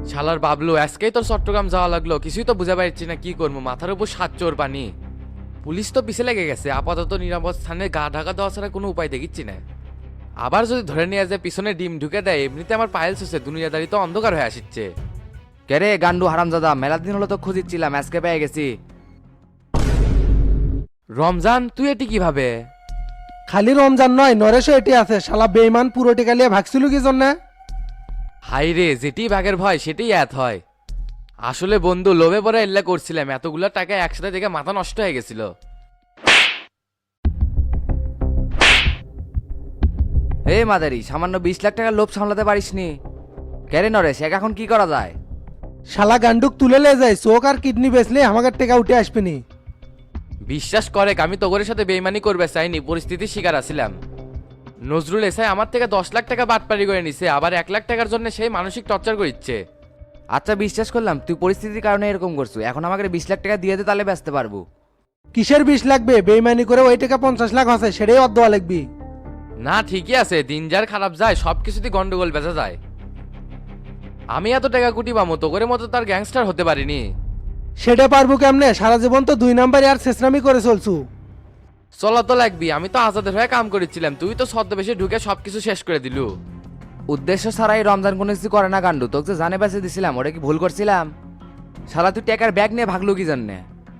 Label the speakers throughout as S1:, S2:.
S1: শালার বাবলু আজকেই তোর চট্টগ্রাম যাওয়া লাগলো, কিছুই তো বুঝে পারছি না কি করবো, মাথার উপর সাত চোর পানি। পুলিশ তো পিছে লেগে গেছে, আপাতত নিরাপদ স্থানে গা ঢাকা দেওয়া ছাড়া কোনো উপায় দেখিচ্ছি না। আবার যদি ধরে নিয়ে যায় পিছনে ডিম ঢুকে দেয়, এমনিতে আমার পায়েল হচ্ছে দুনিয়াদারি তো অন্ধকার হয়ে আসছে।
S2: কে রে গান্ডু হারামজাদা, মেলা দিন হলো তো খুঁজিচ্ছিলাম, আজকে পেয়ে গেছি।
S1: রমজান তুই এটি কিভাবে?
S3: খালি রমজান নয়, নরেশও এটি আছে। শালা বেইমান পুরো টিকা লিয়ে ভাগছিল কি জন্যে?
S1: হাই রে, যেটি বাঘের ভয় সেটাই এত হয়। আসলে বন্ধু লোভে পরে এল্লা করছিলাম, এতগুলো টাকা একসাথে দেখে মাথা নষ্ট হয়ে গেছিল।
S2: হে মাদারি, সামান্য 20 লাখ টাকার লোভ সামলাতে পারিসনি? কে রে নরেশ, এখন কি করা যায়?
S3: শালা গান্ডুক তুলে লে যায়, চোখ আর কিডনি বেচলে আমাকে টেকা উঠে আসবেনি।
S1: বিশ্বাস করে আমি তোগরের সাথে বেইমানি করবে চাইনি, পরিস্থিতির শিকার আছিলাম। নজরুল এসাই আমার থেকে 10 লাখ টাকা বাটপারি করে নিছে, আবার 1 লাখ টাকার জন্য সেই মানসিক টর্চার করছে।
S2: আচ্ছা বিশ্বাস করলাম তুই পরিস্থিতির কারণে এরকম করছো, এখন আমাকে 20 লাখ টাকা দিয়ে দে, তাহলে বেচতে পারবো।
S3: কিসের 20 লাগবে? বেইমানি করে ওই টাকা 50 লাখ আছে, সেটাই অর্ধ লাগবি।
S1: না ঠিকই আছে, দিন যার খারাপ যায় সব কিছুতেই গন্ডগোল বেঁচে যায়। আমি এত টাকা কুটি পামো, তোগরের মতো তার গ্যাংস্টার হতে পারিনি।
S3: সেটা পারবো কেমনে? সারা জীবন তো 2 নাম্বার আর শেষরামি করে চলছু।
S1: চলা তো লাগবি, আমি তো আজাদের হয়ে কাম করেছিলাম, তুই তো ছদ্মবেশে ঢুকে সবকিছু শেষ করে দিলু।
S2: উদ্দেশ্য ছাড়াই রমজান কোনো কিছু করে না গান্ডু, তোকে যে জানে বেঁচে দিছিলাম, ওটা কি ভুল করছিলাম? শালা তুই টাকার ব্যাগ নিয়ে ভাগলু কি জন্যে?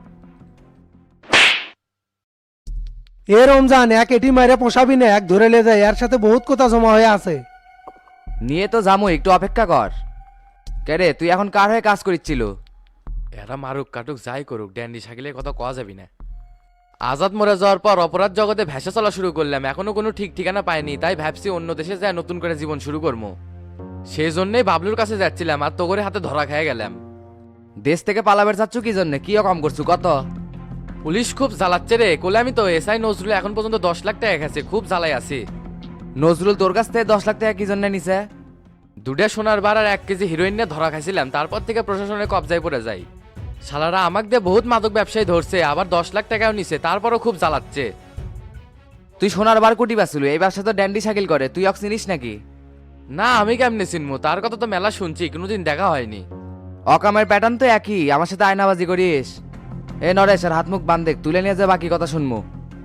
S3: এ রমজান, এক এটি মারে পোষাবি না, এক ধরে লে যায়, এর সাথে বহুত কথা জমা হয়ে আছে।
S2: নিয়ে তো যাবো, একটু অপেক্ষা কর। কে রে তুই এখন কার হয়ে কাজ করিচ্ছিল?
S1: এরা মারুক কাটুক যাই করুক, ড্যান্ডি শাকিলের কথা কওয়া যাবি না। আজাদ মরে যাওয়ার পর অপরাধ জগতে ভেসে চলা শুরু করলাম, এখনো কোনো ঠিক ঠিকানা পাইনি, তাই ভাবছি অন্য দেশে যায় নতুন করে জীবন শুরু করবো। সেই জন্যই বাবলুর কাছে যাচ্ছিলাম, আর তোগরে হাতে ধরা খেয়ে গেলাম।
S2: দেশ থেকে পালাবের চাচ্ছ কি জন্য? কি কম করছু কত?
S1: পুলিশ খুব জ্বালাচ্ছে রে, কোলে আমি তো এসআই নজরুল এখন পর্যন্ত 10 লাখ টাকা গেছে, খুব জ্বালাই আছি।
S2: নজরুল তোর কাছ থেকে 10 লাখ টাকা কি জন্য নিছে?
S1: দুটা সোনার বার আর 1 কেজি হিরোইন নিয়ে ধরা খাইছিলাম, তারপর থেকে প্রশাসনের কবজায় পড়ে যাই। শালারা আমাকে দিয়ে বহুত মাদক ব্যবসায়ী ধরছে, আবার 10 লাখ টাকাও নিছে, তারপরও খুব জ্বালাচ্ছে।
S2: তুই সোনার বার কোটি বাঁচলু, এই ব্যবসা তো ড্যান্ডি শাকিল করে, তুই অক্স চিনিস নাকি?
S1: না আমি কেমনে চিনবো, তার কথা তো মেলা শুনছি, কোনোদিন দেখা হয়নি।
S2: অকামের প্যাটার্ন তো একই, আমার সাথে আয়নাবাজি করিস। এ নরেশ, আর হাত মুখ বান্ধে, তুলে নিয়ে যা, বাকি কথা শুনবো।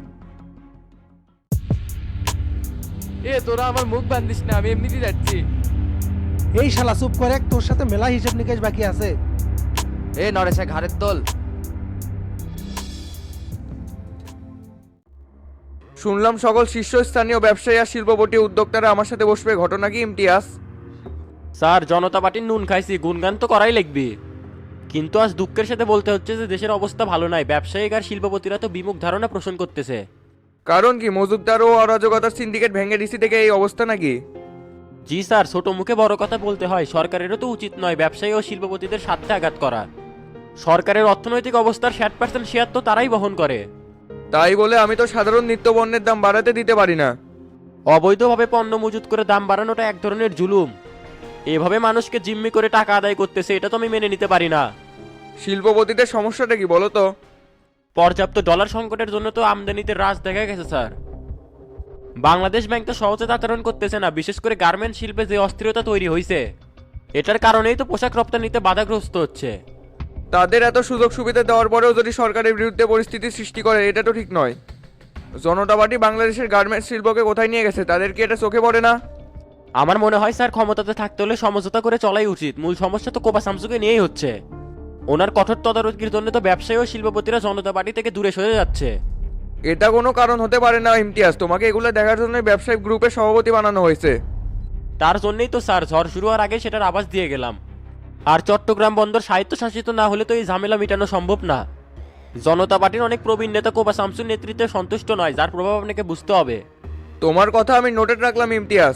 S1: এ তোরা আমার মুখ বান্ধিস না, আমি এমনিতেই যাচ্ছি।
S3: এই শালা চুপ করে, তোর সাথে মেলা হিসেব নিকেশ বাকি আছে।
S2: এ নরেশ, ঘাড়ের তোল।
S4: শুনলাম সকল শীর্ষস্থানীয় ব্যবসায়ী আর শিল্পপতি উদ্যোক্তারা আমার সাথে বসবে, ঘটনা কি ইমতিয়াজ?
S5: স্যার, জনতা পার্টির নুন খাইছি, গুনগান তো করাই লাগবে। কিন্তু আজ দুঃখের সাথে বলতে হচ্ছে যে দেশের অবস্থা ভালো নাই, ব্যবসায়িক আর শিল্পপতিরা তো বিমুখ ধারণা পোষণ করতেছে।
S4: কারণ কি, মজুমদার ও অরাজকতার সিন্ডিকেট ভেঙে ডিসি থেকে এই অবস্থা নাকি?
S5: জি স্যার, ছোট মুখে বড় কথা বলতে হয়, সরকারেরও তো উচিত নয় ব্যবসায়ী ও শিল্পপতিদের স্বার্থে আঘাত করা। সরকারের অর্থনৈতিক অবস্থার 60% শেয়ার তো তারাই বহন করে।
S4: তাই বলে আমি তো সাধারণ নিত্যপণ্যের দাম বাড়াতে দিতে পারি না।
S5: অবৈধভাবে পণ্য মজুত করে দাম বাড়ানোটা এক ধরনের জুলুম। এভাবে মানুষকে জিম্মি করে টাকা আদায় করতেছে, এটা তো আমি মেনে নিতে পারি না।
S4: শিল্পপতিদের সমস্যাটা কি বলো তো?
S5: পর্যাপ্ত ডলার সংকটের জন্য তো আমদানিতে হ্রাস দেখা গেছে স্যার। বাংলাদেশ ব্যাংক তো সহজে আচরণ করতেছে না, বিশেষ করে গার্মেন্ট শিল্পে যে অস্থিরতা তৈরি হয়েছে, এটার কারণেই তো পোশাক রপ্তানিতে বাধাগ্রস্ত হচ্ছে।
S4: তাদের এত সুযোগ সুবিধা দেওয়ার পরেও যদি সরকারের বিরুদ্ধে পরিস্থিতি সৃষ্টি করে, এটা তো ঠিক নয়। জনতা পার্টি বাংলাদেশের গার্মেন্টস শিল্পকে কোথায় নিয়ে গেছে, তাদের কি এটা চোখে পড়ে না?
S5: আমার মনে হয় স্যার, ক্ষমতাতে থাকতে হলে সমঝোতা করে চলাই উচিত। মূল সমস্যা তো কোপা সামসুকে নিয়েই হচ্ছে। ওনার কঠোর তদারকির জন্য তো ব্যবসায়ী ও শিল্পপতিরা জনতা পার্টি থেকে দূরে সরে যাচ্ছে।
S4: এটা কোনো কারণ হতে পারে না ইমতিয়াজ, তোমাকে এগুলো দেখার জন্য ব্যবসায়িক গ্রুপের সভাপতি বানানো হয়েছে।
S5: তার জন্যই তো স্যার ঝড় শুরু হওয়ার আগে সেটার আভাস দিয়ে গেলাম। আর চট্টগ্রাম বন্দর স্বায়ত্তশাসিত না হলে তো এই ঝামেলা মেটানো সম্ভব না। জনতা পার্টির অনেক প্রবীণ নেতা কোপা শামসুর নেতৃত্বে সন্তুষ্ট নয়, যার প্রভাব আপনাকে বুঝতে হবে।
S4: তোমার কথা আমি নোটে রাখলাম ইমতিয়াজ।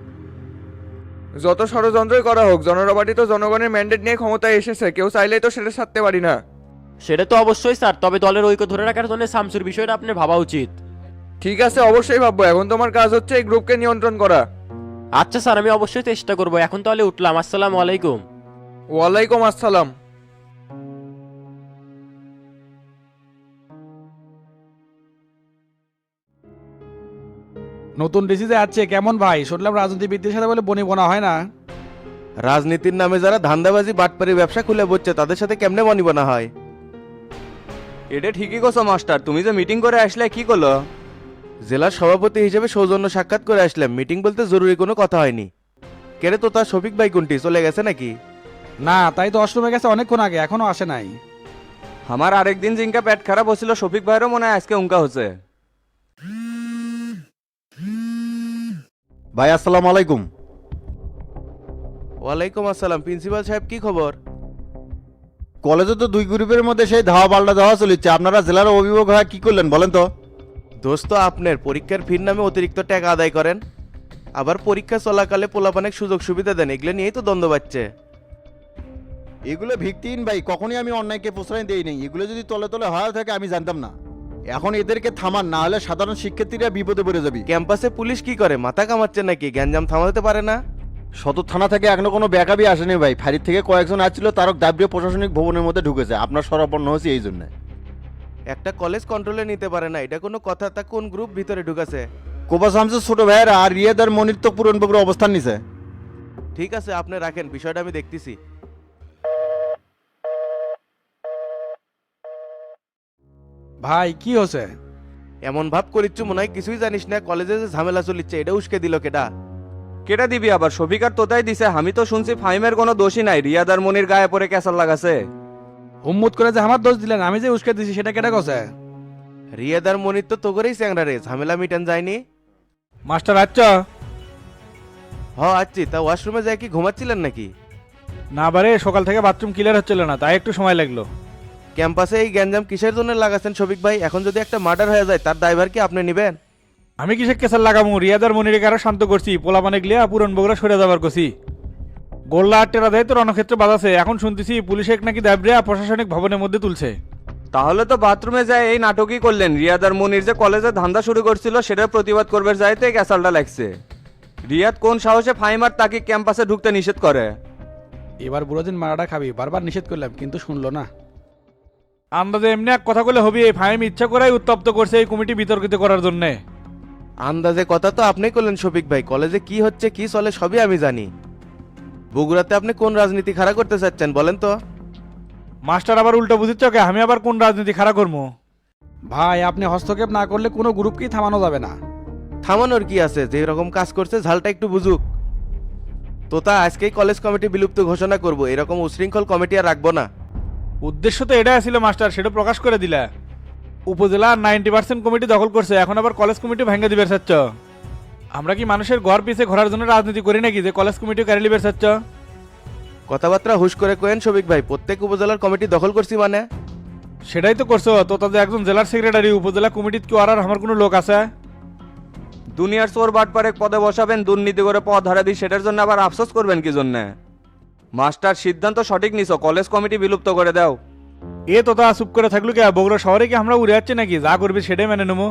S4: যত ষড়যন্ত্রই করা হোক, জনতা পার্টি তো জনগণের ম্যান্ডেট নিয়ে ক্ষমতায় এসেছে, কেউ চাইলেই তো সেটা ছাড়তে পারি না।
S5: সেটা তো অবশ্যই স্যার, তবে দলের ঐক্য ধরে রাখার জন্য শামসুর বিষয়টা আপনার ভাবা উচিত।
S4: ঠিক আছে, অবশ্যই ভাববো। এখন তোমার কাজ হচ্ছে এই গ্রুপকে নিয়ন্ত্রণ করা।
S5: আচ্ছা স্যার, আমি অবশ্যই চেষ্টা করবো। এখন তাহলে উঠলাম, আসসালামু আলাইকুম।
S4: ওয়ালাইকুম আসসালাম।
S6: নতুন ডিসি যে আছে কেমন ভাই? শুনলাম রাজনীতিবিদদের সাথে বলে বনি বনা হয় না। রাজনীতির নামে যারা ধান্দাবাজি বাটপারি ব্যবসা খুলে বসছে তাদের সাথে কেমনে মনিবনা হয়?
S4: এটা ঠিকই কোসো মাস্টার, তুমি যে মিটিং করে আসলে কি করলো?
S6: জেলার সভাপতি হিসেবে সৌজন্য সাক্ষাৎ করে আসলাম, মিটিং বলতে জরুরি কোনো কথা হয়নি। কেরে তো তার শফিক ভাই কোনটি চলে গেছে নাকি?
S7: না, তাই তো অষ্টমে গেছে অনেকক্ষণ আগে, এখনো আসে নাই।
S4: আমার আরেকদিন জিঙ্কা পেট খারাপ হচ্ছিল, শফিক ভাইয়েরও মনে হয় আজকে উঙ্কা হচ্ছে।
S8: ভাই আসসালামু আলাইকুম।
S6: ওয়ালাইকুম আসসালাম। প্রিন্সিপাল সাহেব, কি খবর?
S8: কলেজে তো দুই গ্রুপের মধ্যে সেই ধাওয়া পাল্টা দেওয়া চলিচ্ছে, আপনারা জেলার অভিভাবক হয়ে কি করলেন বলেন তো?
S6: দোস্ত, আপনার পরীক্ষার ফির নামে অতিরিক্ত টাকা আদায় করেন, আবার পরীক্ষা চলাকালে পোলাপানের সুযোগ সুবিধা দেন, এগুলো নিয়েই তো দ্বন্দ্ব বাড়ছে।
S8: এগুলো ভিত্তিহীন ভাই, কখনই আমি অন্যায়কে প্রশ্রয় দেই নাই। এগুলো যদি তলে তলে হয় থাকে আমি জানতাম না। এখন এদেরকে থামান, না হলে সাধারণ শিক্ষার্থীরা বিপদে পড়ে যাবে।
S6: ক্যাম্পাসে পুলিশ কি করে, মাথা কামাচ্ছে নাকি? গ্যাঞ্জাম থামাতে পারে না?
S8: সদর থানা থেকে এখনো কোনো ব্যাকআপই আসেনি ভাই। ফাঁড়ির থেকে কয়েকজন আসছিল, তারক দাবরিয়া প্রশাসনিক ভবনের মধ্যে ঢুকেছে। আপনার সরাপন্ন হয়েছে এই জন্য।
S6: একটা কলেজ কন্ট্রোলে নিতে পারে না, এটা কোনো কথা? তা কোন গ্রুপ ভিতরে ঢুকেছে?
S8: কোপা শামসের ছোট ভাইয়েরা আর রিয়াদার মনির তো পুরনবাবুর অবস্থান নিছে।
S6: ঠিক আছে, আপনি রাখেন, বিষয়টা আমি দেখতেছি।
S7: ভাই কি হচ্ছে?
S6: এমন ভাব করিচ্ছু মনে হয় কিছুই জানিস না। কলেজে যে ঝামেলা চলিচ্ছে এটা উস্কে দিল কেডা?
S4: কেটা দিবি আবার? শফিক আর তোতাই দিছে। আমি তো শুনছি ফাইমের কোনো দোষই নাই, রিয়াদার মনির গায়ে পড়ে ক্যাসাল লাগাছে।
S7: হুম্মুত করে যে আমার দোষ দিলেন, আমি যে উস্কে দিছি সেটা কেটে গেছে।
S6: রিয়াদার মনির তো তোগরেই চ্যাংরা রে, ঝামেলা মিটান যায়নি।
S7: মাস্টার আচ্ছা
S6: আচ্ছি। তা ওয়াশরুমে যায় কি ঘুমাচ্ছিলেন নাকি?
S7: না বারে, সকাল থেকে বাথরুম ক্লিয়ার হচ্ছিল না, তাই একটু সময় লাগলো।
S6: ক্যাম্পাসে এই গ্যাঞ্জাম কিসের জন্য লাগাচ্ছেন শফিক ভাই? এখন যদি একটা মার্ডার হয়ে যায় তার দায়ভার কি আপনি নেবেন?
S7: আমি কিসে কেসার লাগামু? রিয়াদার মনিরে কারো শান্ত করছি, পোলা মানে গলিয়া পুরন বগুড়া সরে যাবার করছি। গোল্লা আর টেরা দেয় তো রণক্ষেত্রে বাজাছে। এখন শুনতেছি পুলিশে নাকি দাবরিয়া প্রশাসনিক ভবনের মধ্যে তুলছে।
S4: তাহলে তো বাথরুমে যায় এই নাটকই করলেন। রিয়াদার মনির যে কলেজে ধান্দা শুরু করছিল সেটার প্রতিবাদ করবে যাইতে ক্যাসালটা লাগছে। রিয়াদ কোন সাহসে ফাইমার তাকে ক্যাম্পাসে ঢুকতে নিষেধ করে?
S7: এবার বুড়োদিন মারাটা খাবি, বারবার নিষেধ করলাম কিন্তু শুনলো না। আন্দাজে এমনি এক কথা বলে হবি, এই ফাইম ইচ্ছা করাই উত্তপ্ত করছে এই কমিটি বিতর্কিত করার জন্য।
S6: আন্দাজে কথা তো আপনি করলেন শফিক ভাই, কলেজে কি হচ্ছে কি চলে সবই আমি জানি। বগুড়াতে আপনি কোন রাজনীতি খাড়া করতে চাচ্ছেন বলেন তো?
S7: মাস্টার আবার উল্টো বুঝিচ্ছ কে? আমি আবার কোন রাজনীতি খাড়া করবো? ভাই আপনি হস্তক্ষেপ না করলে কোনো গ্রুপকেই থামানো যাবে না।
S6: থামানোর কি আছে? যে রকম কাজ করছে ঝালটা একটু বুঝুক। তোতা আজকেই কলেজ কমিটি বিলুপ্ত ঘোষণা করব, এরকম উশৃঙ্খল কমিটি আর রাখবো না।
S7: উদ্দেশ্য তো এটাই ছিল মাস্টার, সেটা প্রকাশ করে দিলা। উপজেলা 90% কমিটি দখল করছে, এখন আবার কলেজ কমিটি ভেঙে দিবে চাচ্ছ? আমরা কি মানুষের ঘর পিছে ঘোরার জন্য রাজনীতি করি নাকি যে কলেজ কমিটি কারি লিবে চাচ্ছ?
S6: কথাবার্তা হুশ করে কোয়েন শফিক ভাই, প্রত্যেক উপজেলার কমিটি দখল করছি মানে?
S7: সেটাই তো করছো তো। তাদের একজন জেলার সেক্রেটারি, উপজেলা কমিটির কি আর আমার কোনো লোক আছে?
S4: দুনিয়ার চোর বাটপারে পদে বসাবেন, দুর্নীতি করে পদ হারাবি, সেটার জন্য আবার আফসোস করবেন কি জন্য? মাস্টার সিদ্ধান্ত সঠিক নিছো, কলেজ কমিটি বিলুপ্ত করে দাও।
S7: এ তো তা চুপ করে থাকলো কে? বগুড়া শহরে কি আমরা উড়ে যাচ্ছি নাকি? যা করবি সেটাই মেনে নেবো।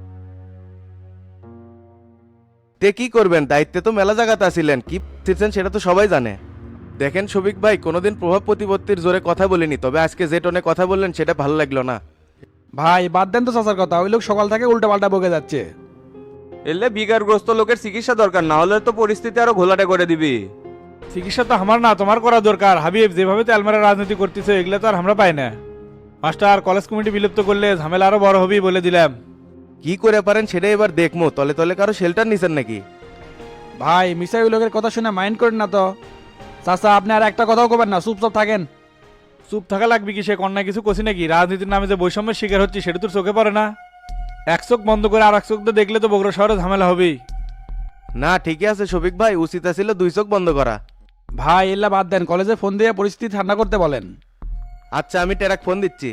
S6: তে কি করবেন? দায়িত্বে তো মেলা জায়গাতে আছিলেন, কি ছিলেন সেটা তো সবাই জানে। দেখেন শফিক ভাই, কোনোদিন প্রভাব প্রতিপত্তির জোরে কথা বলিনি, তবে আজকে যে টোনে কথা বললেন সেটা ভালো লাগলো না।
S7: ভাই বাদ দেন তো চাচার কথা, ওই লোক সকাল থেকে উল্টা পাল্টা বকে যাচ্ছে।
S4: এলে বিকারগ্রস্ত লোকের চিকিৎসা দরকার, না হলে তো পরিস্থিতি আরো ঘোলাটে করে দিবি।
S7: চিকিৎসা তো আমার না তোমার করা দরকার। হাবিব যেভাবে তেলমারা রাজনীতি করতেছে এগুলো তো আর আমরা পাই না। মাস্টার কলেজ কমিটি বিলুপ্ত করলে ঝামেলা আরো বড় হবি বলে দিলাম।
S6: কি করে পারেন সেটা এবার দেখমো। তলে তলে কারো শেল্টার নিছেন নাকি?
S7: ভাই মিসাই ওই লোকের কথা শুনে মাইন্ড করেন না তো। চাচা আপনি আর একটা কথাও করবেন না, চুপচাপ থাকেন। চুপ থাকা লাগবে কি? সে কন্যা কিছু করছি নাকি? রাজনীতির নামে যে বৈষম্যের শিকার হচ্ছে সেটা তোর চোখে পড়ে না? এক চোখ বন্ধ করে আর এক চোখ দিয়ে দেখলে তো বগুড়া শহরে ঝামেলা হবেই।
S6: না ঠিকই আছে শফিক ভাই, উচিত ছিল দুই চোখ বন্ধ করা।
S7: ভাই এল্লা বাদ দেন, কলেজে ফোন দিয়ে পরিস্থিতি ঠান্ডা করতে বলেন।
S6: আচ্ছা আমি টেরাক ফোন দিচ্ছি।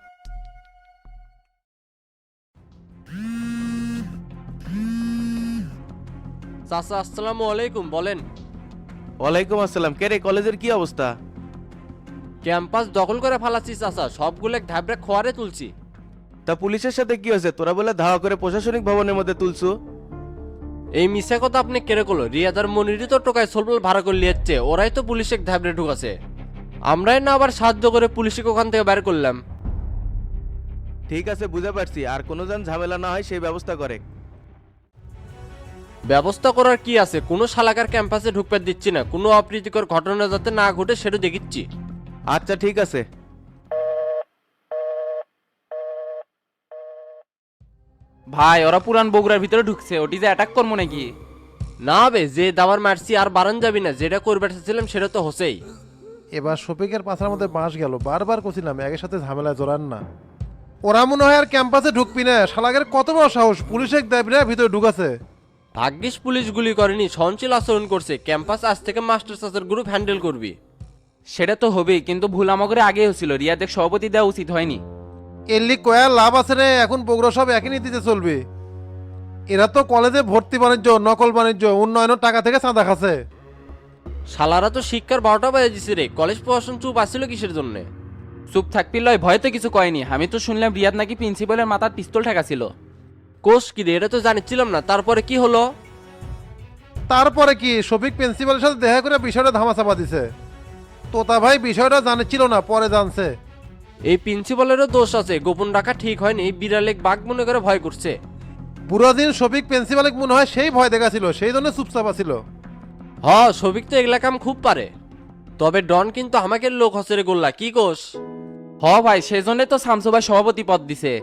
S9: চাচা আসসালামু আলাইকুম, বলেন।
S6: ওয়ালাইকুম আসসালাম। কে রে, কলেজের কি অবস্থা?
S9: ক্যাম্পাস দখল করে ফালাচ্ছি চাচা, সবগুলো ঢাবড়ে খোয়ারে তুলছি।
S6: তা পুলিশের সাথে কি হয়েছে? তোরা বলে ধাওয়া করে প্রশাসনিক ভবনের মধ্যে তুলছু।
S9: এই মিশা কথা আপনি কেড়ে করলো? রিয়াদার মনিরই তো টোকায় সোলবল ভাড়া করে লিয়েছে, ওরাই তো পুলিশে ঢাবড়ে ঢুকাছে। আমরাই না আবার সাহায্য করে পুলিশকে ওখান থেকে বের করলাম।
S6: ঠিক আছে বুঝে পারছি, আর কোনো যেন ঝামেলা না হয় সেই ব্যবস্থা করে।
S9: ব্যবস্থা করার কি আছে, কোনো শালাকার ক্যাম্পাসে ঢুকতে দিচ্ছি না, কোনো অপ্রীতিকর ঘটনা যাতে না ঘটে সেটা দেখিচ্ছি।
S6: আচ্ছা ঠিক আছে।
S2: ভাই ওরা পুরান বগুড়ার ভিতরে ঢুকছে, ওটি যে অ্যাটাক করবো নাকি?
S9: না বে, যে দাবার মারছি আর বারান যাবি না, যেটা করবে চাচ্ছিলাম সেটা তো হসেই।
S3: এবার শফিকের পাছার মধ্যে বাঁশ গেল, বারবার কছিলাম একের সাথে ঝামেলায় জড়ান না। ওরা মনে হয় আর ক্যাম্পাসে ঢুকবি না, শালাকের কত বড় সাহস, পুলিশে দেবি না ভিতরে ঢুকাছে।
S9: ভাগ্যিস পুলিশ গুলি করেনি, সহনশীল আচরণ করছে। ক্যাম্পাস আজ থেকে মাস্টার সাসের গ্রুপ হ্যান্ডেল করবি।
S2: সেটা তো হবেই, কিন্তু ভুল আমাকে আগেই হচ্ছিল, রিয়াদের সভাপতি দেওয়া উচিত হয়নি।
S3: এলি কয়ার লাভ আছে রে, এখন বগুড়া সব একই নীতিতে চলবে। এরা তো কলেজে ভর্তি বাণিজ্য, নকল বাণিজ্য, উন্নয়নের টাকা থেকে চাঁদা খাচ্ছে।
S9: শালারা তো শিক্ষার 12টা বাজে দিছে রে, কলেজ প্রশাসন চুপ আসছিল কিসের জন্য?
S2: চুপ থাকবি লয়, ভয় তো কিছু কয়নি। আমি তো শুনলাম রিয়াদ নাকি প্রিন্সিপালের মাথার পিস্তল ঠেকাছিল।
S9: কোষ কি রে, এটা তো জানিছিলাম না। তারপরে কি হলো?
S3: তারপরে কি, শফিক প্রিন্সিপালের সাথে দেখা করে বিষয়টা ধামাচাপা দিছে। তোতা ভাই বিষয়টা জানিছিল না, পরে জানছে।
S9: এই প্রিন্সিপালেরও দোষ আছে, গোপন রাখা ঠিক হয়নি, বিড়ালেক বাঘ মনে করে ভয় করছে।
S3: বুড়ো দিন শফিক প্রিন্সিপালকে মনে হয় সেই ভয় দেখাছিল, সেই জন্য চুপচাপ ছিল।
S9: হ, সবিক তো এগুলা কাম খুব পারে। তবে ডন কিন্তু আমাকে লোক হসে রে গোল্লা, কি কোষ?
S2: হ ভাই, সেই জন্যই তো শামসু ভাই সভাপতি পদ দিছে।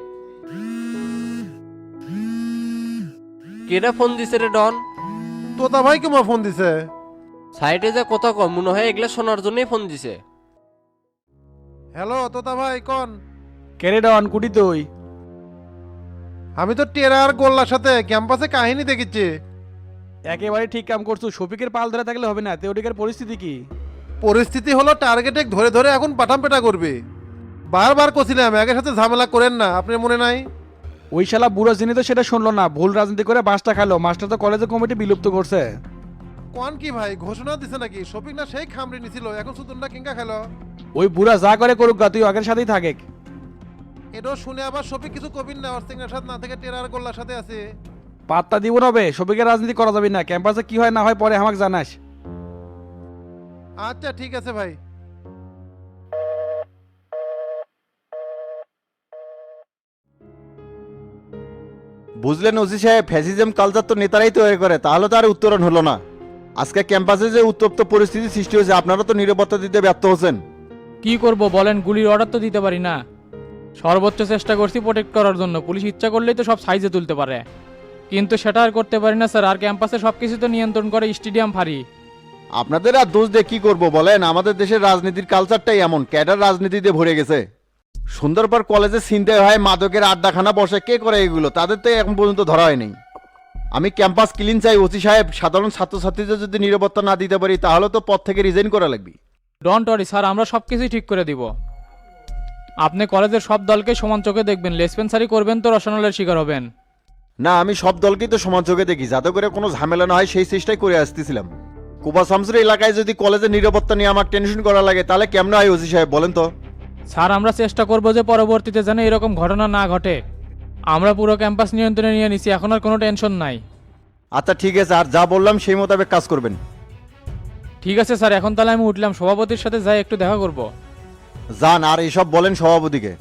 S9: কেডা ফোন দিছে রে ডন?
S3: তোতা ভাই কেমন ফোন দিছে?
S9: সাইডে যে কথা কম মনে হয় এগুলা শোনার জন্যই ফোন দিছে।
S3: হ্যালো তোতা ভাই কন।
S7: কেরে ডন কুটি তুই?
S3: আমি তো টেরা আর গোল্লার সাথে ক্যাম্পাসে কাহিনী দেখেছি।
S7: একেবারে ঠিক কাম করছো, শফিকের পাল ধরে থাকলে হবে না। তেওটিকার পরিস্থিতি কি?
S3: পরিস্থিতি হলো টার্গেটে ধরে ধরে এখন পাঠাম পেটা করবে। বারবার কছিলাম একের সাথে ঝামেলা করেন না, আপনার মনে নাই?
S7: ওই শালা বুড়ো যিনি তো সেটা শুনলো না, ভুল রাজনীতি করে বাসটা খালো। মাস্টার তো কলেজের কমিটি বিলুপ্ত করছে।
S3: কোন কি ভাই, ঘোষণা দিছে নাকি? শফিক না সেই খামড়ি নিছিল, এখন সুতনটা কিংকা খেলো।
S7: ওই বুড়া যা করে করুক গা, তুই আগের সাথেই থাকে।
S3: এটাও শুনে আবার শফিক কিছু কবিন না, ওর সিংহের সাথে না থেকে টেরা আর গোল্লার সাথে আছে।
S7: পাত্তা দিব না বে, শফিকের রাজনীতি করা যাবে না। ক্যাম্পাসে কি হয় না হয় পরে আমাকে জানাস।
S3: আচ্ছা ঠিক আছে ভাই।
S8: বুঝলেন ওসি সাহেব, ফ্যাসিজম কালচার তো নেতারাই তৈরি করে, তাহলে তো আর উত্তরণ হলো না। আজকে ক্যাম্পাসে যে উত্তপ্ত পরিস্থিতি সৃষ্টি হয়েছে, আপনারা তো নিরাপত্তা দিতে ব্যর্থ হচ্ছেন।
S10: কি করব বলেন, গুলির অর্ডার তো দিতে পারি না। সর্বোচ্চ চেষ্টা করছি প্রোটেক্ট করার জন্য, পুলিশ ইচ্ছা করলেই তো সব সাইজে তুলতে পারে, কিন্তু সেটা আর করতে পারি না স্যার। আর ক্যাম্পাসে সব কিছু তো নিয়ন্ত্রণ করে স্টেডিয়াম ফাঁড়ি।
S8: আপনাদের আর দোষ দিয়ে কি করবো বলেন? আমাদের দেশের রাজনীতির কালচারটাই এমন, ক্যাডার রাজনীতিতে ভরে গেছে। সুন্দরবন কলেজে ছিনতাই হয়, মাদকের আড্ডাখানা বসে, কে করে এগুলো? তাদের তো এখন পর্যন্ত ধরা হয়নি। আমি ক্যাম্পাস ক্লিন চাই ওসি সাহেব। সাধারণ ছাত্রছাত্রীদের যদি নিরাপত্তা না দিতে পারি, তাহলে তো পদ থেকে রিজাইন করা লাগবে।
S10: ডোন্ট ওয়ারি স্যার, আমরা সব কিছুই ঠিক করে দিব। আপনি কলেজের সব দলকে সমান চোখে দেখবেন, লেসপেন্সারি করবেন তো রসনালের শিকার হবেন।
S8: না, আমি সব দলকেই তো সমান চোখে দেখি, যাতে করে কোনো ঝামেলা না হয় সেই চেষ্টাই করে আসতেছিলাম। কুবা শামসুর এলাকায় যদি কলেজের নিরাপত্তা নিয়ে আমার টেনশন করা লাগে, তাহলে কেমন হয় ওসি সাহেব বলেন তো?
S10: স্যার আমরা চেষ্টা করব যে পরবর্তীতে যেন এরকম ঘটনা না ঘটে। আমরা পুরো ক্যাম্পাস নিয়ন্ত্রণে নিয়ে নিছি, এখন আর কোনো টেনশন নাই।
S8: আচ্ছা ঠিক আছে, আর যা বললাম সেই মোতাবেক কাজ করবেন।
S10: ঠিক আছে স্যার, এখন তাহলে আমি উঠলাম, সভাপতির সাথে যাই একটু দেখা করব।
S8: যান, আর এইসব বলেন সভাপতিকে।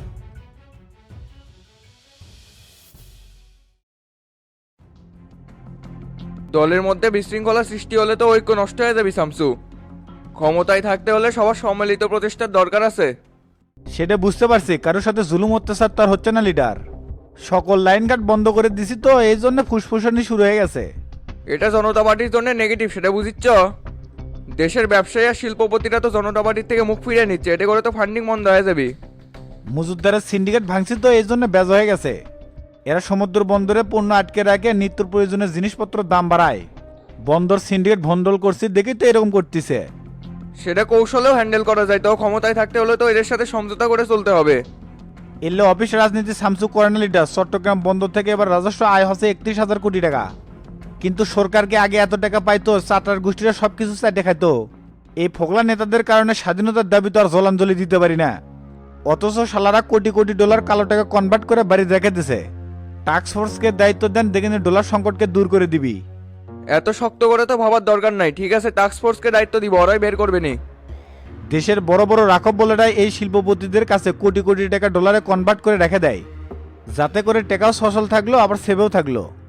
S11: দলের মধ্যে বিশৃঙ্খলা সৃষ্টি হলে তো ঐক্য নষ্ট হয়ে যাবে শামসু। ক্ষমতায় থাকতে হলে সবার সম্মিলিত প্রচেষ্টার দরকার আছে।
S7: সেটা বুঝতে পারছি, কারোর সাথে জুলুম অত্যাচার তার হচ্ছে না লিডার। সকল লাইন গার্ড বন্ধ করে দিছি তো, এই জন্য ফুসফুসানি শুরু হয়ে গেছে।
S11: এটা জনতা পার্টির জন্য নেগেটিভ, সেটা বুঝিচ্ছ? দেশের ব্যবসায়ী আর শিল্পপতিরা তো জনতা পার্টির থেকে মুখ ফিরিয়ে নিচ্ছে, এতে করে তো ফান্ডিং বন্ধ হয়ে যাবে।
S7: মজুদদারের সিন্ডিকেট ভাঙছি তো, এই জন্য বেজ হয়ে গেছে। এরা সমুদ্র বন্দরে পণ্য আটকে রাখে, নিত্য প্রয়োজনীয় জিনিসপত্রের দাম বাড়ায়। বন্দর সিন্ডিকেট ভন্ডল করছি দেখেই তো এরকম করতেছে।
S11: সেটা কৌশলেও হ্যান্ডেল করা যায়, তো ক্ষমতায় থাকতে হলে তো এদের সাথে সমঝোতা করে চলতে হবে।
S7: এলে অফিস রাজনীতি সামসু করে না লিডার। চট্টগ্রাম বন্দর থেকে এবার রাজস্ব আয় হচ্ছে 31,000 কোটি টাকা, কিন্তু সরকারকে আগে এত টাকা পাইতো, চাটার গোষ্ঠীরা সবকিছু চাটে খাইতো। এই ফোকলা নেতাদের কারণে স্বাধীনতার দাবি তো আর জলাঞ্জলি দিতে পারি না। অথচ শালারা কোটি কোটি ডলার কালো টাকা কনভার্ট করে বাড়ি রেখে দিছে। টাস্ক ফোর্সকে দায়িত্ব দেন, দেখে ডলার সংকটকে দূর করে দিবি।
S11: এত শক্ত করে তো ভাবার দরকার নাই। ঠিক আছে, টাস্ক ফোর্সকে দায়িত্ব দিব, ওরাই বের করবে নি।
S7: দেশের বড় বড় রাখব বলেরাই এই শিল্পপতিদের কাছে কোটি কোটি টাকা ডলারে কনভার্ট করে রেখে দেয়, যাতে করে টাকাও সচল থাকলো আবার সেভেও থাকলো।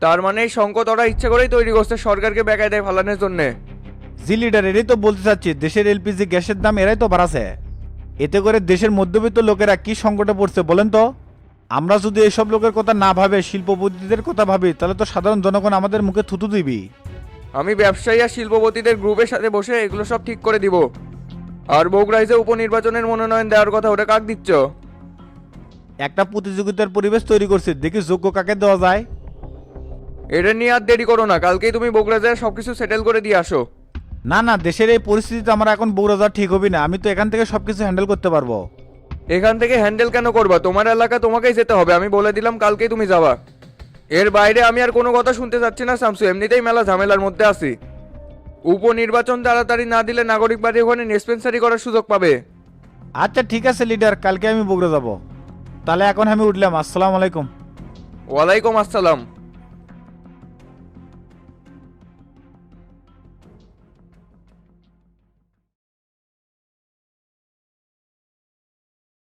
S11: তার মানে এই সংকট ওরা ইচ্ছে করেই তৈরি করছে সরকারকে বেকায় দেয় ফালানোর জন্যে।
S7: জি লিডার এটাই তো বলতে চাচ্ছি, দেশের এলপিজি গ্যাসের দাম এরাই তো বাড়াছে। এতে করে দেশের মধ্যবিত্ত লোকেরা কি সংকটে পড়ছে বলেন তো। আমরা যদি এইসব লোকের কথা না ভাবে শিল্পপতিদের কথা ভাবি তাহলে তো সাধারণ জনগণ আমাদের মুখে থুতু দিবি।
S11: আমি ব্যবসায়ী আর শিল্পপতিদের গ্রুপের সাথে বসে এগুলো সব ঠিক করে দিব। আর বগুড়ায় যে উপনির্বাচনের মনোনয়ন দেওয়ার কথা ওটা কাক দিচ্ছ?
S7: একটা প্রতিযোগিতার পরিবেশ তৈরি করছি, দেখি যোগ্য কাকে দেওয়া যায়।
S11: এটা নিয়ে আর দেরি করো না, কালকেই তুমি বগুড়া যায় সবকিছু সেটেল করে দিয়ে আসো।
S7: না না, দেশের এই পরিস্থিতিতে আমার এখন বগুড়া যাওয়া ঠিক হবে না, আমি তো এখান থেকে সবকিছু হ্যান্ডেল করতে পারবো।
S11: এখান থেকে হ্যান্ডেল কেন করবা? তোমার এলাকা তোমাকেই যেতে হবে, আমি বলে দিলাম কালকেই তুমি যাবা। এর বাইরে আমি আর কোনো কথা শুনতে চাচ্ছি না শামসু, এমনিতেই মেলা ঝামেলার মধ্যে আছি। উপনির্বাচন তাড়াতাড়ি না দিলে নাগরিক বাড়ি ওখানে ডিসপেন্সারি করার সুযোগ পাবে।
S7: আচ্ছা ঠিক আছে লিডার, কালকে আমি বগুড়া যাব। তাহলে এখন আমি উঠলাম, আসসালামু আলাইকুম।
S11: ওয়ালাইকুম আসসালাম।